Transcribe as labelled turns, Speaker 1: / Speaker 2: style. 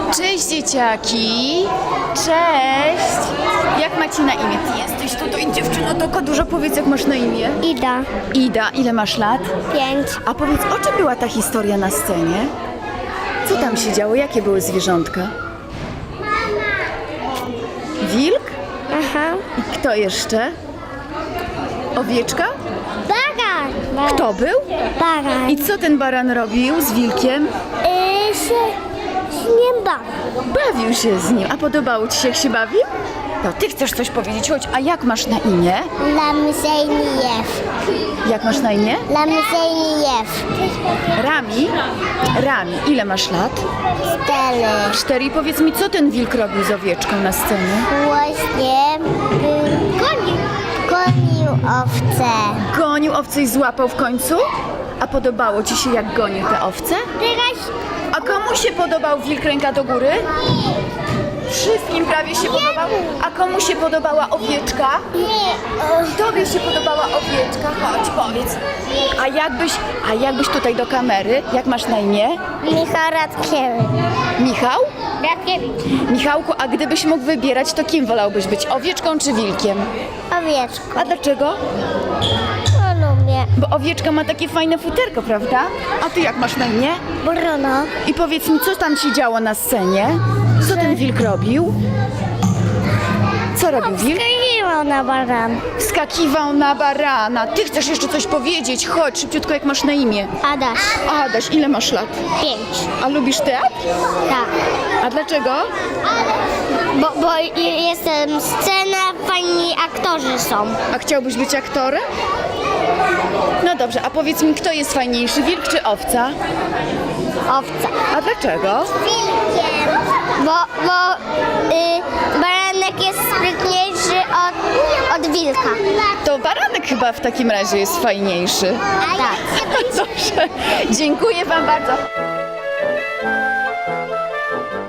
Speaker 1: Cześć dzieciaki! Cześć! Jak macie na imię? Ty jesteś tutaj dziewczyno, tylko dużo powiedz, jak masz na imię.
Speaker 2: Ida,
Speaker 1: Ida, ile masz lat?
Speaker 2: 5.
Speaker 1: A powiedz, o czym była ta historia na scenie? Co tam się działo? Jakie były zwierzątka? Wilk?
Speaker 2: Aha.
Speaker 1: I kto jeszcze? Owieczka?
Speaker 2: Baran.
Speaker 1: Kto był?
Speaker 2: Baran.
Speaker 1: I co ten baran robił z wilkiem?
Speaker 2: Się nie bawię.
Speaker 1: Bawił się z nim. A podobało ci się, jak się bawił? No, ty chcesz coś powiedzieć, chodź. A jak masz na imię?
Speaker 2: Lamzejniew.
Speaker 1: Jak masz na imię?
Speaker 2: Lamzejniew.
Speaker 1: Rami? Rami, ile masz lat?
Speaker 2: 4.
Speaker 1: 4. I powiedz mi, co ten wilk robił z owieczką na scenie?
Speaker 2: Właśnie gonił owce.
Speaker 1: Gonił owce i złapał w końcu? A podobało ci się, jak gonił te owce?
Speaker 2: Teraz
Speaker 1: A komu się podobał wilk ręka do góry? Wszystkim prawie się podobał. A komu się podobała owieczka?
Speaker 2: nie.
Speaker 1: Tobie się podobała owieczka? Chodź, powiedz. A jakbyś tutaj do kamery, jak masz na imię?
Speaker 2: Michał Radkiewicz.
Speaker 1: Michał?
Speaker 2: Radkiewicz.
Speaker 1: Michałku, a gdybyś mógł wybierać, to kim wolałbyś być? Owieczką czy wilkiem?
Speaker 2: Owieczko.
Speaker 1: A dlaczego?
Speaker 2: No lubię.
Speaker 1: Bo owieczka ma takie fajne futerko, prawda? A ty jak masz na imię?
Speaker 2: Bruno.
Speaker 1: I powiedz mi, co tam się działo na scenie? Co ten wilk robił? Co robił wilk?
Speaker 2: Skakiwał na baran.
Speaker 1: Wskakiwał na barana. Ty chcesz jeszcze coś powiedzieć? Chodź, szybciutko, jak masz na imię.
Speaker 2: Adaś.
Speaker 1: Adaś, ile masz lat?
Speaker 2: 5.
Speaker 1: A lubisz teatr?
Speaker 2: Tak.
Speaker 1: A dlaczego?
Speaker 2: Bo jestem scena, fajni aktorzy są.
Speaker 1: A chciałbyś być aktorem? No dobrze, a powiedz mi, kto jest fajniejszy, wilk czy owca?
Speaker 2: Owca.
Speaker 1: A dlaczego?
Speaker 2: Wilkiem. Bo baranek jest sprytniejszy od wilka.
Speaker 1: To baranek chyba w takim razie jest fajniejszy.
Speaker 2: Tak.
Speaker 1: Dobrze, dziękuję wam bardzo.